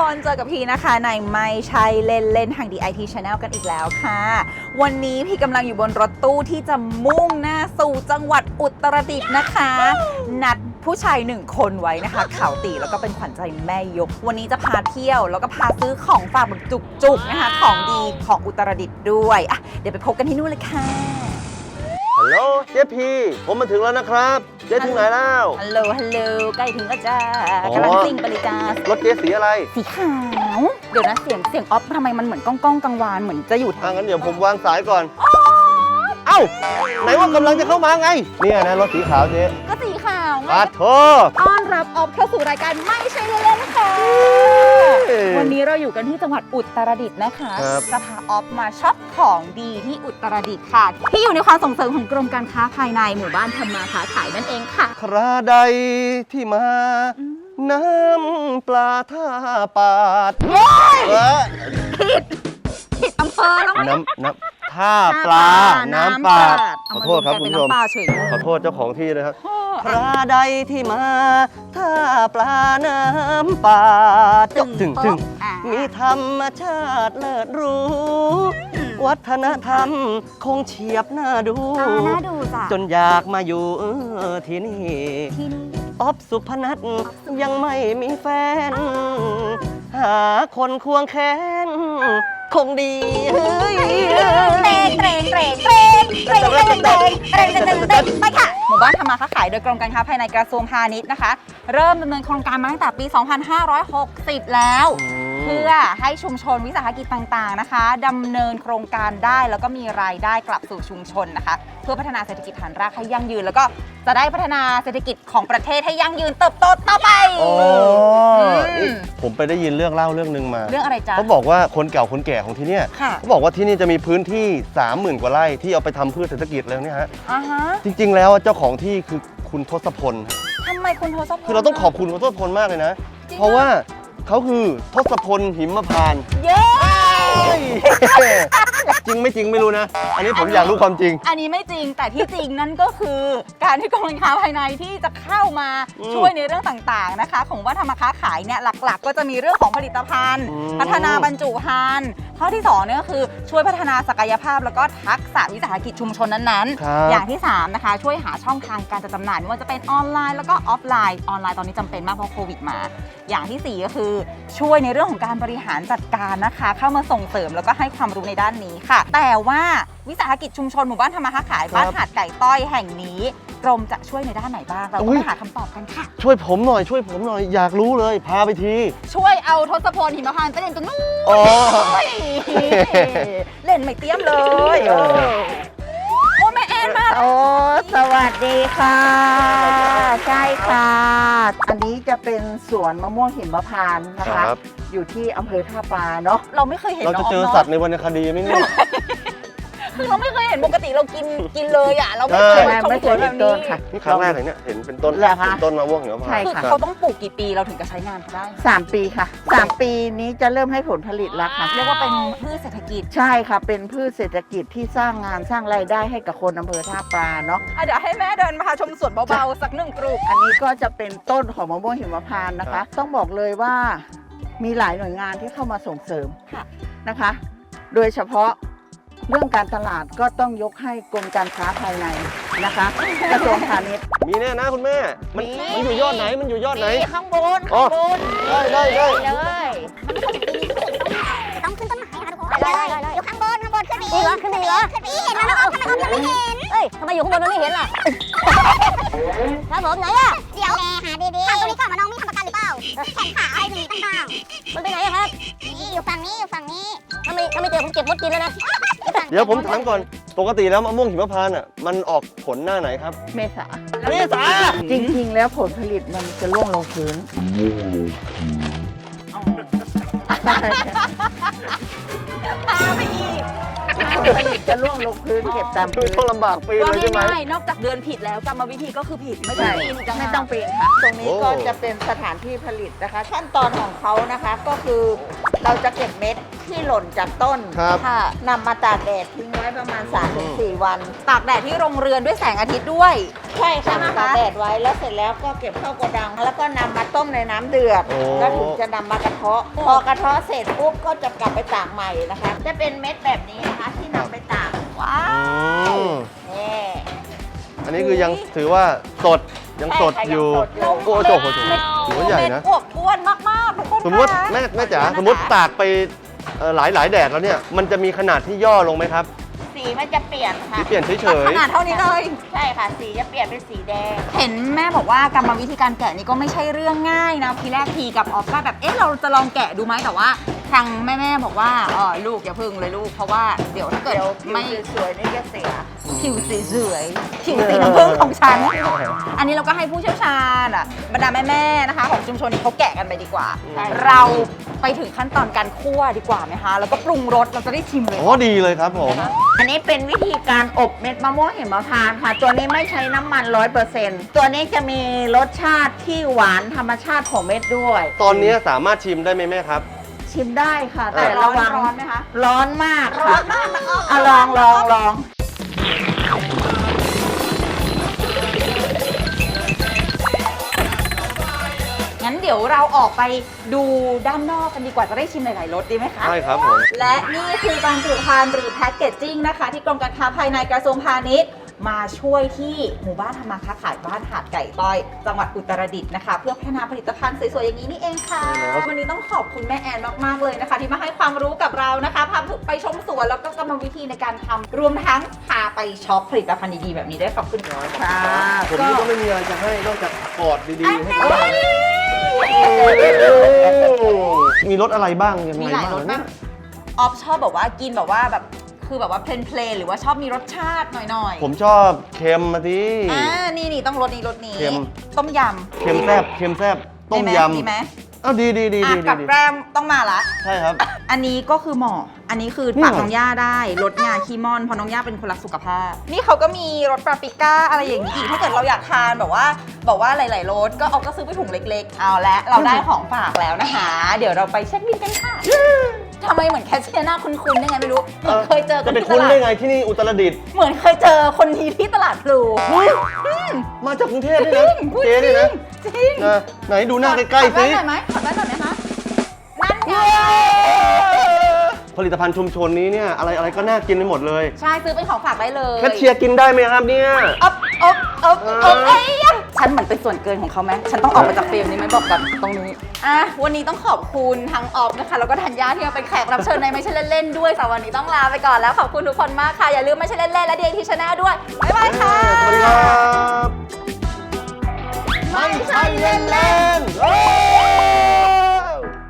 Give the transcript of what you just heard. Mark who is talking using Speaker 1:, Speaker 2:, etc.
Speaker 1: คนเจอกับพี่นะคะในไม่ใช่เล่นทาง DIT Channel กันอีกแล้วค่ะวันนี้พี่กำลังอยู่บนรถตู้ที่จะมุ่งหน้าสู่จังหวัดอุตรดิตถ์นะคะนัดผู้ชาย1คนไว้นะคะเขาตีแล้วก็เป็นขวัญใจแม่ยกวันนี้จะพาเที่ยวแล้วก็พาซื้อของฝากแบบจุกๆนะคะของดีของอุตรดิตถ์ด้วยอ่ะเดี๋ยวไปพบกันที่นู่นเลยค่ะ
Speaker 2: ฮัลโหลเจ๊พีผมมาถึงแล้วนะครับเจ๊ถึงไหนแล้ว
Speaker 1: ฮัลโหลใกล้ถึงแล้วจ้ากำลังซิ่งไปเลยจ้าร
Speaker 2: ถเจ๊สีอะไร
Speaker 1: สีขาวเดี๋ยวนะเสียงออฟทำไมมันเหมือนก้องกังวานเหมือนจะอยู่ทาง
Speaker 2: งั้นเดี๋ยวผมวางสายก่อนเอ้าไหนว่ากำลังจะเข้ามาไงเนี่ยนะรถสีขาวเจ๊
Speaker 1: ก็สีขาวไง
Speaker 2: ปัดโถ
Speaker 1: ต้อนรับออฟเข้าสู่รายการไม่ใช่เล่นๆค่ะวันนี้เราอยู่กันที่จังหวัดอุตรดิตถ์นะคะจะพาออฟมาช็อปของดีที่อุตรดิตถ์ค่ะที่อยู่ในความส่งเสริมของกรมการค้าภายในหมู่บ้านทำมาค้าขายนั่นเองค่ะ
Speaker 2: คราใดที่มาน้ำปลาท่าปาด
Speaker 1: ผิดอำเภอแล้วไหม
Speaker 2: น้ำท่าปลาน้ำปาดขอโทษครับคุณผู้ชมขอโทษเจ้าของที่นะครับคราใดที่มาท่าปลาน้ำปาดถึงมีธรรมชาติเลิศรู้วัฒนธรรมคงเฉียบน่าดูจนอยากมาอยู่ที่นี่ออฟสุพนัทยังไม่มีแฟนหาคนควงแขนคงดี
Speaker 1: ไปค่ะหมู่บ้านทำมาค้าขายโดยกรมการค้าภายในกระทรวงพาณิชย์นะคะเริ่มดำเนินโครงการมาตั้งแต่ปี 2560 แล้วเพื่อให้ชุมชนวิสาหกิจต่างๆนะคะดำเนินโครงการได้แล้วก็มีรายได้กลับสู่ชุมชนนะคะเพื่อพัฒนาเศรษฐกิจฐานรากให้ยั่งยืนแล้วก็จะได้พัฒนาเศรษฐกิจของประเทศให้ยั่งยืนเติบโตต่อไป
Speaker 2: ผมไปได้ยินเรื่องเล่าเรื่องนึงมา
Speaker 1: เรื่องอะไรจ๊ะ
Speaker 2: เขาบอกว่าคนเก่าคนแก่ของที่นี่เขาบอกว่าที่นี่จะมีพื้นที่ 30,000 กว่าไร่ที่เอาไปทำพืชเศรษฐกิจแล้วเนี่ยฮะจริงๆแล้วเจ้าของที่คือคุณทศพล
Speaker 1: ทำไมคุณทศพล
Speaker 2: คือเราต้องขอบคุณคุณทศพลมากเลยนะเพราะว่าเขาคือทศพลหิมพานต์
Speaker 1: เย้
Speaker 2: จริงไม่จริงไม่รู้นะอันนี้ผมอยากรู้ความจริง
Speaker 1: อันนี้ไม่จริงแต่ที่จริงนั่นก็คือการที่กรมการค้าภายในที่จะเข้ามาช่วยในเรื่องต่างๆนะคะของว่าทำมาค้าขายเนี่ยหลักๆก็จะมีเรื่องของผลิตภัณฑ์พัฒนาบรรจุภัณฑ์ข้อที่2เนี่ยก็คือช่วยพัฒนาศักยภาพแล้วก็ทักษะวิสาหกิจชุมชนนั้นๆอย่างที่3นะคะช่วยหาช่องทางการจัดจำหน่ายไม่ว่าจะเป็นออนไลน์แล้วก็ออฟไลน์ตอนนี้จำเป็นมากเพราะโควิดมาอย่างที่4ก็คือช่วยในเรื่องของการบริหารจัดการนะคะเข้ามาส่งเสริมแล้วก็ให้ความรู้ในด้านนี้ค่ะแต่ว่าวิสาหกิจชุมชนหมู่บ้านทำมาค้าขายบ้านหาดไก่ต้อยแห่งนี้กรมจะช่วยในด้านไหนบ้างเราต้องหาคำตอบกันค่ะ
Speaker 2: ช่วยผมหน่อยอยากรู้เลยพาไปที
Speaker 1: ช่วยเอาทศพลหิมพานต์ไปเล่นตรงนู้นเล่นไม่เตี้ยมเลยโอ้แม่แอนมา
Speaker 3: โอ้สวัสดีค่ะใช่ค่ะอันนี้จะเป็นสวนมะม่วงหิมพานต์นะคะอยู่ที่อำเภอท่าปลาเนาะ
Speaker 1: เราไม่เคยเห็น
Speaker 2: เราจะเจอสัตว์ในวรรณคดีไหมเนี่ย
Speaker 1: คือเราไม่เคยเห็นปกติเรากินเลยอ่ะเราไม่เคย
Speaker 3: ไม่เคยเห็นต้นค่ะ
Speaker 2: นี่ครั้งแรกเลยเนี่ยเห็นเป็นต้นมะม่วงหิมพานต์
Speaker 1: คือเขาต้องปลูกกี่ปีเราถึงจะใช้งานเขาได้
Speaker 3: 3 ปีค่ะ3 ปีนี้จะเริ่มให้ผลผลิตแล้วค่ะ
Speaker 1: เรียกว่าเป็นพืชเศรษฐกิจ
Speaker 3: ใช่ค่ะเป็นพืชเศรษฐกิจที่สร้างงานสร้างรายได้ให้กับคนอำเภอท่าปลาเนาะ
Speaker 1: เดี๋ยวให้แม่เดินมาชมสวนเบาๆสัก1 กลุ่ม
Speaker 3: อันนี้ก็จะเป็นต้นของมะม่วงหิมพานต์นะคะต้องบอกเลยว่ามีหลายหน่วยงานที่เข้ามาส่งเสริมนะคะโดยเฉพาะเรื่องการตลาดก็ต้องยกให้กรมการค้าภายในนะคะกระทรวงพาณิชย์
Speaker 2: มีแน่นะคุณแม่มันอยู่ยอดไหน
Speaker 3: ข้างบน
Speaker 2: ได้
Speaker 4: เลยต้องขึ้นต้นไม้นะคะทุกคนเลยอยู่ข้างบนขึ้นไปอีกเหรอขึ้นไปอีกเห็นแล้วทำไมออมยังไม่เห็น
Speaker 1: ทำไมอยู่ข้างบนมันไม่เห็นล่ะ
Speaker 4: ครับผมไหนอะเดี๋ยวหาดีๆถามตรงนี้ก่อนว่าน้องมีทำประกันหรือเปล่าแขนขาอะไรตรงนี้ต่าง
Speaker 1: ๆมันไปไหนครับ
Speaker 4: นี่อยู่ฝั่งนี้
Speaker 1: ถ้าไม่เจอผมเก็บมดกินแล้วนะ
Speaker 2: เดี๋ยวผมถามก่อนปกติแล้วมะม่วงหิมพานต์อ่ะมันออกผลหน้าไหนครับ
Speaker 3: เมษา
Speaker 2: จ
Speaker 3: ริงๆแล้วผลผลิตมันจะร่วงลงพื้น
Speaker 1: พาไปอีก
Speaker 3: ผลผลิตจะร่วงลงพื้นเก็บตามพื้น
Speaker 2: ต้องลำบากปีเลยใช่ไหม
Speaker 1: นอกจากเดือนผิดแล้วกรรมวิธีก็คือผิดไม่ต้องปีน
Speaker 3: ไม่ต้องปีนค่ะตรงนี้ก็จะเป็นสถานที่ผลิตนะคะขั้นตอนของเขานะคะก็คือเราจะเก็บเม็ดที่หล่นจากต้น
Speaker 2: ครับ
Speaker 1: ค่ะ
Speaker 3: นำมาตากแดดทิ้งไว้ประมาณ 3-4 วัน
Speaker 1: ตากแดดที่โรงเรือนด้วยแสงอาทิตย์ด้วย
Speaker 3: ใช่ค่ะ
Speaker 1: ใช่ไหมคะ
Speaker 3: ตากแดดไว้แล้วเสร็จแล้วก็เก็บเข้าโกดัง แล้วก็นำมาต้มในน้ำเดือด
Speaker 2: โอ้
Speaker 3: แล้วถึงจะนำมากระเทาะ พอกระเทาะเสร็จปุ๊บก็จะกลับไปตากใหม่นะคะ จะเป็นเม็ดแบบนี้นะคะที่นำไปตาก
Speaker 1: ว้า
Speaker 2: อื
Speaker 1: ว
Speaker 2: ม
Speaker 3: นี่
Speaker 2: อันนี้คือยังถือว่าสดยังสดอยู่
Speaker 3: ใช่ค่ะยังสดอยู่
Speaker 2: โอ้โหหัวใหญ่นะ
Speaker 1: เม็ดอวบอ้วนมากๆทุกคน
Speaker 2: สมมติ
Speaker 1: ค่ะ
Speaker 2: แม่จ๋าสมมติตากไปหลายแดดแล้วเนี่ย มันจะมีขนาดที่ย่อลงไหมครับ
Speaker 3: สีมันจะเปลี่ยนค่ะ
Speaker 2: ที่เปลี่ยนเฉย
Speaker 1: ขนาดเท่านี้เลย
Speaker 3: ใช่ค่ะ สีจะเปลี่ยนเป็นสีแดง
Speaker 1: เห็นแม่บอกว่ากรรมวิธีการแกะนี่ก็ไม่ใช่เรื่องง่ายนะทีแรกทีกับออฟก็แบบเราจะลองแกะดูไหมแต่ว่าทางแม่บอกว่าลูกอย่าพึ่งเลยลูกเพราะว่าเดี๋ยวถ้าเกิด
Speaker 3: เดี๋ยว
Speaker 1: ไม่
Speaker 3: ผิวสวยๆนี่จะเสีย
Speaker 1: ผิวสีสวยผิวสีน้ำผึ้งของฉัน อันนี้เราก็ให้ผู้เชี่ยวชาญบรรดาแม่ๆนะคะ ของชุมชนนี้เขาแกะกันไปดีกว่า
Speaker 3: ใช่
Speaker 1: เราไปถึงขั้นตอนการคั่วดีกว่าไหมคะแล้วก็ปรุงรสเราจะได้ชิมเล
Speaker 2: ๆ
Speaker 1: ย
Speaker 2: โอ้ดีเลยครับผม
Speaker 3: อันนี้เป็นวิธีการอบเม็ดมะม่วงหิมพานต์ค่ะ ตัวนี้ไม่ใช้น้ำมัน 100%ตัวนี้จะมีรสชาติที่หวานธรรมชาติของเม็ดด้วย
Speaker 2: ตอนนี้สามารถชิมได้ไหมแม่ครับ
Speaker 3: ชิมได้ค่ะ
Speaker 1: แต่
Speaker 3: แต่
Speaker 1: ร้อ
Speaker 3: ระ
Speaker 1: น
Speaker 3: วัง
Speaker 1: ร้อนไหมคะ
Speaker 3: ร้อนมาก
Speaker 1: ร้อ
Speaker 3: ค่ะ
Speaker 1: นมากนะ
Speaker 3: อ่ะลอง
Speaker 1: งั้นเดี๋ยวเราออกไปดูด้านนอกกันดีกว่าจะได้ชิมหลายๆรสดีไหมคะ
Speaker 2: ใช่ครับผม
Speaker 1: และนี่คือบรรจุภัณฑ์หรือแพ็กเกจจิ้งนะคะ ที่กรมการค้าภายในกระทรวงพาณิชย์มาช่วยที่หมู่บ้านทำมาค้าขายบ้านหาดไก่ต้อย จังหวัดอุตรดิตถ์นะคะ เพื่อพัฒนาผลิตภัณฑ์สวยๆอย่างนี้นี่เองค่ะ
Speaker 2: ใช่แล้ว
Speaker 1: วันนี้ต้องขอบคุณแม่แอนมากๆเลยนะคะ ที่มาให้ความรู้กับเรานะคะพาไปชมสวนแล้วก็กรรมวิธีในการทำรวมทั้งพาไปช็อปผลิตภัณฑ์ดีๆแบบนี้ด้วยขอบคุณค่ะ
Speaker 3: ค่ะ
Speaker 2: ผมนี่ก็ไม่มีอะไรจะให้นอกจากกอดดีๆให้เขามีรสอะไรบ้างยังไง
Speaker 1: มีหลาย
Speaker 2: บ้าง
Speaker 1: รส
Speaker 2: เนี่
Speaker 1: มาย กออฟชอบแบบว่ากินแบบว่าแบบคือแบบว่าเพลนๆหรือว่าชอบมีรสชาติหน่อยๆ
Speaker 2: ผมชอบเค็มมาที
Speaker 1: นี่ต้องรสนี้รสนี้
Speaker 2: เค็ม
Speaker 1: ต้มย
Speaker 2: เค็มแซ่บเค็มแซ่บ
Speaker 1: ำ
Speaker 2: ต้ม
Speaker 1: ดี
Speaker 2: ย
Speaker 1: ไหดีไหม
Speaker 2: ำอ้าวดีดีดี
Speaker 1: อ่ะ
Speaker 2: ดี
Speaker 1: กับ
Speaker 2: ดี
Speaker 1: แกล้มต้องมาละ
Speaker 2: ใช่ครับ
Speaker 1: อันนี้ก็คือหมออันนี้คือ
Speaker 2: นี่
Speaker 1: ปาก
Speaker 2: เหรอ
Speaker 1: น้องย่าได้ลดงาคีมอนเพราะน้องย่าเป็นคนรักสุขภาพ นี่เขาก็มีรสปาปริก้าอะไรอย่างนี้อีกถ้าเกิดเราอยากทานแบบว่าหลายๆรสก็เอาก็ซื้อไปถุงเล็กๆ เอาละเราได้ของฝากแล้วนะคะ เดี๋ยวเราไปเช็คบินกันค่ะทำไมเหมือนแคชเชียร์หน้าคุ้นๆได้ไงไม่รู้เหมือนเคยเจอกั
Speaker 2: จะ
Speaker 1: น
Speaker 2: ไป
Speaker 1: ที่ต
Speaker 2: คุ้น
Speaker 1: ลาด
Speaker 2: ได้ไงที่นี่อุตรดิตถ์
Speaker 1: เหมือนเคยเจอคนนี้ที่ตลาดพลู
Speaker 2: มาจากกรุงเทพด้วยนะ
Speaker 1: พูด
Speaker 2: เจ๊
Speaker 1: จ
Speaker 2: ด้วย
Speaker 1: ริ
Speaker 2: นะ
Speaker 1: งจริง
Speaker 2: นะไหนดูหน้าใกล้ๆ
Speaker 1: ขอ
Speaker 2: สิ
Speaker 1: แว่นหน่อยไหมขอแว่นหน่อยไหมคะนั่นไง
Speaker 2: ผลิตภัณฑ์ชุมชนนี้เนี่ยอะไรก็น่ากินไปหมดเลย
Speaker 1: ใช่ซื้อเป็นของฝากได้เลย
Speaker 2: แคชเชียร์กินได้ไหมครับเนี่ย
Speaker 1: อ๊อบเอ้ยฉันเหมือนเป็นส่วนเกินของเขาไหมฉันต้องออกมาจากเฟรมนี้ไหมบอกกันตรงนี้วันนี้ต้องขอบคุณทั้งออฟนะคะแล้วก็ธัญญาที่มาเป็นแขกรับเชิญในไม่ใช่เล่นๆด้วยสำหรับวันนี้ต้องลาไปก่อนแล้วขอบคุณทุกคนมากค่ะอย่าลืมไม่ใช่เล่นๆและ DIT Channel ด้วยบ๊ายบายค่ะ
Speaker 2: สวัสดีครับ
Speaker 1: ไม่ใช่เล่นๆ